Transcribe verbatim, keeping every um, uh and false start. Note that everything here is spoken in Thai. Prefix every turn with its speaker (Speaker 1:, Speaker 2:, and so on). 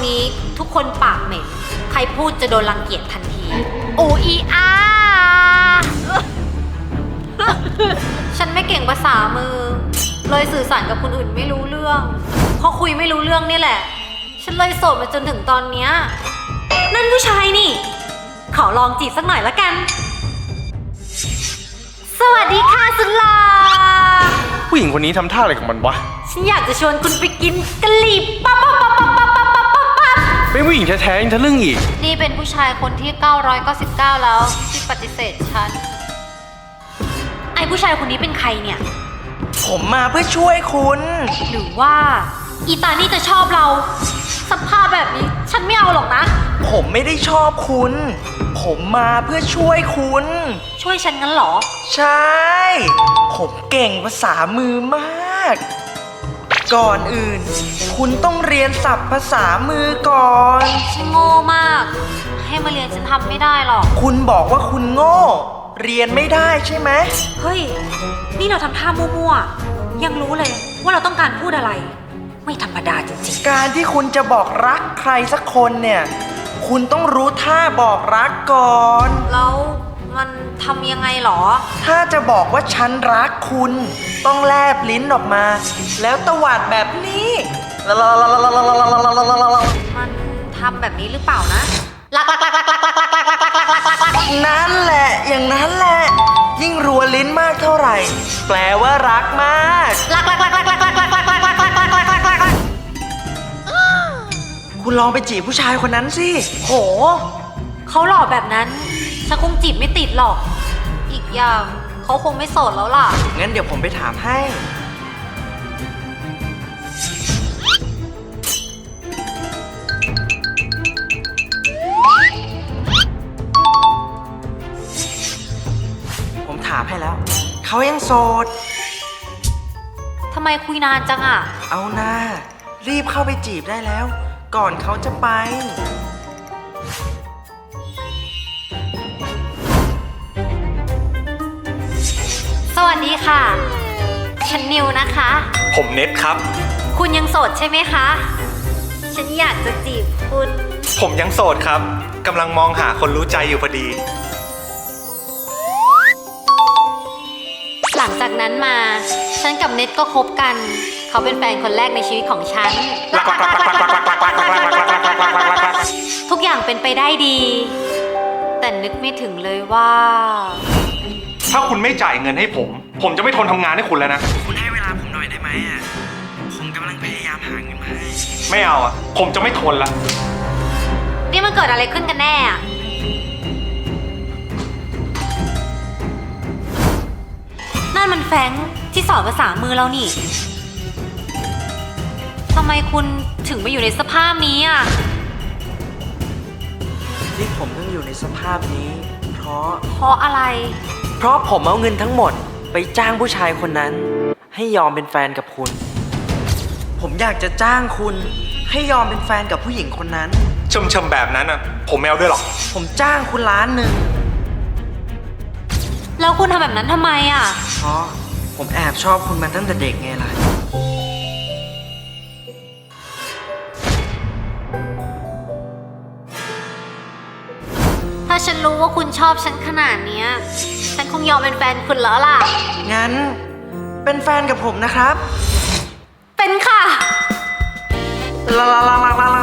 Speaker 1: นี้ทุกคนปากเหม็นใครพูดจะโดนรังเกียจทันทีอูอีอา ฉันไม่เก่งภาษามือเลยสื่อสารกับคนอื่นไม่รู้เรื่องพอคุยไม่รู้เรื่องนี่แหละฉันเลยโสดมาจนถึงตอนเนี้ยนั่นผู้ชายนี่ขอลองจีบสักหน่อยละกันสวัสดีค่ะสุลา
Speaker 2: ผู้หญิงคนนี้ทำท่าอะไรของมันวะ
Speaker 1: ฉันอยากจะชวนคุณไปกินกะหรี่ปั๊บปั๊บปั๊บปั๊บปั๊บปั๊บปั๊บปั๊บ
Speaker 2: เป็นผู้หญิงแท้ๆยังทะลึ่งอีก
Speaker 1: นี่เป็นผู้ชายคนที่เก้าร้อยเก้าสิบเก้าแล้วที่ปฏิเสธฉันไอ้ผู้ชายคนนี้เป็นใครเนี่ย
Speaker 3: ผมมาเพื่อช่วยคุณ
Speaker 1: หรือว่าอีตานี่จะชอบเราสภาพแบบนี้ฉันไม่เอาหรอกนะ
Speaker 3: ผมไม่ได้ชอบคุณผมมาเพื่อช่วยคุณ
Speaker 1: ช่วยฉันงั้นเหรอ
Speaker 3: ใช่ผมเก่งภาษามือมากก่อนอื่นคุณต้องเรียนศัพท์ภาษามือก่อน
Speaker 1: ฉันโง่มากให้มาเรียนฉันทำไม่ได้หรอก
Speaker 3: คุณบอกว่าคุณโง่เรียนไม่ได้ใช่ไหม
Speaker 1: เฮ้ยนี่เราทำท่ามั่วๆยังรู้เลยว่าเราต้องการพูดอะไรไม่ธรรมดาจริง
Speaker 3: ๆการที่คุณจะบอกรักใครสักคนเนี่ยคุณต้องรู้ท่าบอกรักก่อน
Speaker 1: แล้วมันทำยังไงหรอ
Speaker 3: ถ้าจะบอกว่าฉันรักคุณต้องแลบลิ้นออกมาแล้วตวาดแบบนี้
Speaker 1: มันทำแบบนี้หรือเปล่านะลักลักลักลักลักลักลักลักลักลักลักลักลักลัก
Speaker 3: นั่นแหละอย่างนั้นแหละยิ่งรัวลิ้นมากเท่าไหร่แปลว่ารักมาก
Speaker 1: ลักลักลักลักลักลักลักลักลักลักลักลักลักลักลักลัก
Speaker 3: คุณลองไปจีบผู้ชายคนนั้นสิ
Speaker 1: โหเขาหล่อแบบนั้นฉันคงจีบไม่ติดหรอกอีกอย่างเขาคงไม่โสดแล้วล่ะ
Speaker 3: งั้นเดี๋ยวผมไปถามให้ผมถามให้แล้วเขายังโสด
Speaker 1: ทำไมคุยนานจังอ่ะ
Speaker 3: เอาหน้ารีบเข้าไปจีบได้แล้วก่อนเขาจะไป
Speaker 1: สวัสดีค่ะฉันนิวนะคะ
Speaker 2: ผมเน็ตครับ
Speaker 1: คุณยังโสดใช่ไหมคะฉันอยากจะจีบคุณ
Speaker 2: ผมยังโสดครับกำลังมองหาคนรู้ใจอยู่พอดี
Speaker 1: หลังจากนั้นมาฉันกับเน็ตก็คบกันเขาเป็นแฟนคนแรกในชีวิตของฉันทุกอย่างเป็นไปได้ดีแต่นึกไม่ถึงเลยว่า
Speaker 2: ถ้าคุณไม่จ่ายเงินให้ผมผมจะไม่ทนทำงานให้คุณแล้วนะ
Speaker 3: คุณให้เวลาผมหน่อยได้ไหมอ่ะผมกำลังพยายามหาเงินมาให้
Speaker 2: ไม่เอาอ่ะผมจะไม่ทนละ
Speaker 1: นี่มันเกิดอะไรขึ้นกันแน่อ่ะนั่นมันแฟงที่สอนภาษามือเรานี่ทำไมคุณถึงมาอยู่ในสภาพนี้อ่ะ
Speaker 3: ที่ผมต้องอยู่ในสภาพนี้เพราะ
Speaker 1: เพราะอะไร
Speaker 3: เพราะผมเอาเงินทั้งหมดไปจ้างผู้ชายคนนั้นให้ยอมเป็นแฟนกับคุณผมอยากจะจ้างคุณให้ยอมเป็นแฟนกับผู้หญิงคนนั้น
Speaker 2: ชมๆแบบนั้นอ่ะผมไม่เอาด้วยหรอก
Speaker 3: ผมจ้างคุณล้านหนึ่ง
Speaker 1: แล้วคุณทำแบบนั้นทำไมอ่ะ
Speaker 3: เพราะผมแอบชอบคุณมาตั้งแต่เด็กไงล่ะ
Speaker 1: ถ้าฉันรู้ว่าคุณชอบฉันขนาดนี้ฉันคงยอมเป็นแฟนคุณแล้วล่ะ
Speaker 3: งั้นเป็นแฟนกับผมนะครับ
Speaker 1: เป็นค่ะ
Speaker 3: ลาลาลาลาลา